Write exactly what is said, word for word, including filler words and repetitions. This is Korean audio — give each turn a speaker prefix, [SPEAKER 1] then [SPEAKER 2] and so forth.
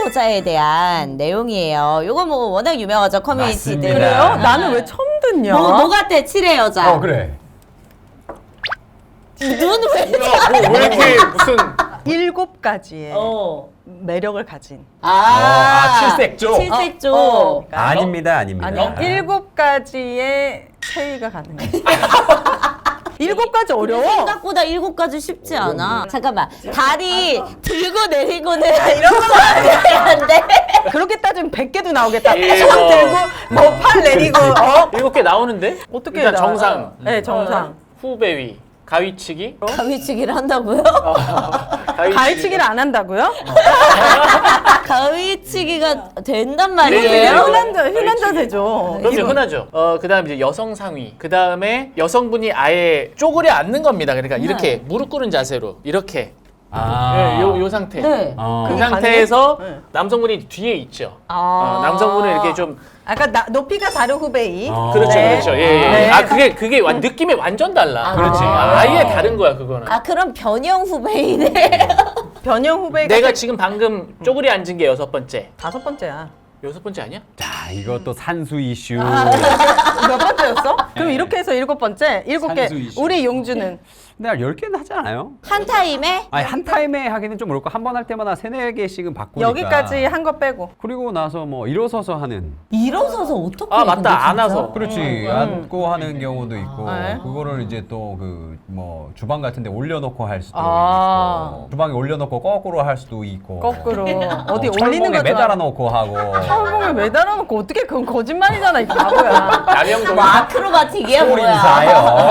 [SPEAKER 1] 여자에 대한 내용이에요. 요거 뭐 워낙 유명하죠, 커뮤니티들.
[SPEAKER 2] 맞습니다.
[SPEAKER 3] 그래요? 나는 왜 처음 듣냐?
[SPEAKER 1] 뭐, 뭐 같아, 칠의 여자.
[SPEAKER 2] 어 그래.
[SPEAKER 1] 눈 왜?
[SPEAKER 4] 뭐, 왜 이렇게 무슨
[SPEAKER 3] 일곱 가지의
[SPEAKER 1] 어.
[SPEAKER 3] 매력을 가진.
[SPEAKER 1] 아,
[SPEAKER 2] 아, 칠색조?
[SPEAKER 1] 칠색조.
[SPEAKER 3] 어, 어.
[SPEAKER 2] 아닙니다, 아닙니다.
[SPEAKER 3] 아니 일곱 가지의 체위가 가능해. 일곱 가지 어려워.
[SPEAKER 1] 생각보다 일곱 가지 쉽지 않아. 잠깐만, 다리 들고 내리고는
[SPEAKER 3] 이런 거
[SPEAKER 1] 안 돼.
[SPEAKER 3] 그렇게 따지면 백 개도 나오겠다.
[SPEAKER 4] 예,
[SPEAKER 3] 손
[SPEAKER 4] 뭐.
[SPEAKER 3] 들고 뭐 팔 내리고 어?
[SPEAKER 4] 일곱 개 나오는데?
[SPEAKER 3] 어떻게
[SPEAKER 4] 일단
[SPEAKER 3] 나와요?
[SPEAKER 4] 정상.
[SPEAKER 3] 네, 정상.
[SPEAKER 4] 후배위. 가위치기.
[SPEAKER 1] 가위치기를 한다고요?
[SPEAKER 3] 가위치기를 안 한다고요?
[SPEAKER 1] 가위치기가 된단
[SPEAKER 4] 네,
[SPEAKER 1] 말이에요?
[SPEAKER 3] 흔한 자, 흔한 자세죠.
[SPEAKER 4] 그럼요, 흔하죠. 어, 그 다음 이제 여성 상위. 그 다음에 여성분이 아예 쪼그려 앉는 겁니다. 그러니까 이렇게 무릎 꿇은 자세로. 이렇게.
[SPEAKER 2] 아,
[SPEAKER 4] 네, 요, 요 상태.
[SPEAKER 1] 네.
[SPEAKER 2] 어.
[SPEAKER 4] 그
[SPEAKER 3] 그게
[SPEAKER 4] 상태에서
[SPEAKER 3] 가능해? 네.
[SPEAKER 4] 남성분이 뒤에 있죠.
[SPEAKER 3] 아.
[SPEAKER 4] 어, 남성분은 이렇게 좀.
[SPEAKER 3] 아까 나, 높이가 다른 후배이.
[SPEAKER 2] 어.
[SPEAKER 4] 그렇죠,
[SPEAKER 3] 네.
[SPEAKER 4] 그렇죠. 예, 예.
[SPEAKER 3] 네.
[SPEAKER 4] 아, 그게, 그게 완- 느낌이 완전 달라.
[SPEAKER 1] 아,
[SPEAKER 4] 그렇지.
[SPEAKER 1] 아.
[SPEAKER 4] 아예 다른 거야, 그거는.
[SPEAKER 1] 아, 그럼 변형 후배이네.
[SPEAKER 3] 변형 후배가
[SPEAKER 4] 내가 지금 방금 쪼그려 앉은 게 여섯 번째.
[SPEAKER 3] 다섯 번째야.
[SPEAKER 4] 여섯 번째 아니야?
[SPEAKER 2] 자, 이것도 산수 이슈.
[SPEAKER 3] 몇 번째였어? 그럼 이렇게 해서 일곱 번째, 일곱 개.
[SPEAKER 2] 산수 이슈.
[SPEAKER 3] 우리 용주는
[SPEAKER 2] 근데 열 개는 하지 않아요?
[SPEAKER 1] 한 타임에?
[SPEAKER 2] 아니 한 타임에 하기는 좀 어렵고 한 번 할 때마다 세네 개씩은 바꾸니까.
[SPEAKER 3] 여기까지 한 거 빼고.
[SPEAKER 2] 그리고 나서 뭐 일어서서 하는.
[SPEAKER 1] 일어서서 어떻게
[SPEAKER 4] 아,
[SPEAKER 1] 해,
[SPEAKER 4] 맞다.
[SPEAKER 1] 근데 진짜?
[SPEAKER 4] 안아서.
[SPEAKER 2] 그렇지. 앉고 하는 경우도 있고
[SPEAKER 3] 네.
[SPEAKER 2] 그거를 이제 또 그 뭐 주방 같은데 올려놓고 할 수도
[SPEAKER 3] 아.
[SPEAKER 2] 있고 주방에 올려놓고 거꾸로 할 수도 있고
[SPEAKER 3] 거꾸로. 어디
[SPEAKER 2] 어,
[SPEAKER 3] 올리는
[SPEAKER 2] 철봉에
[SPEAKER 3] 거
[SPEAKER 2] 매달아 놓고 하고.
[SPEAKER 3] 철봉에 매달아 놓고 어떻게 그건 거짓말이잖아, 이 바보야.
[SPEAKER 4] 남영동.
[SPEAKER 1] 뭐 아크로바틱이야,
[SPEAKER 2] 홀
[SPEAKER 1] 뭐야?
[SPEAKER 2] 인사요.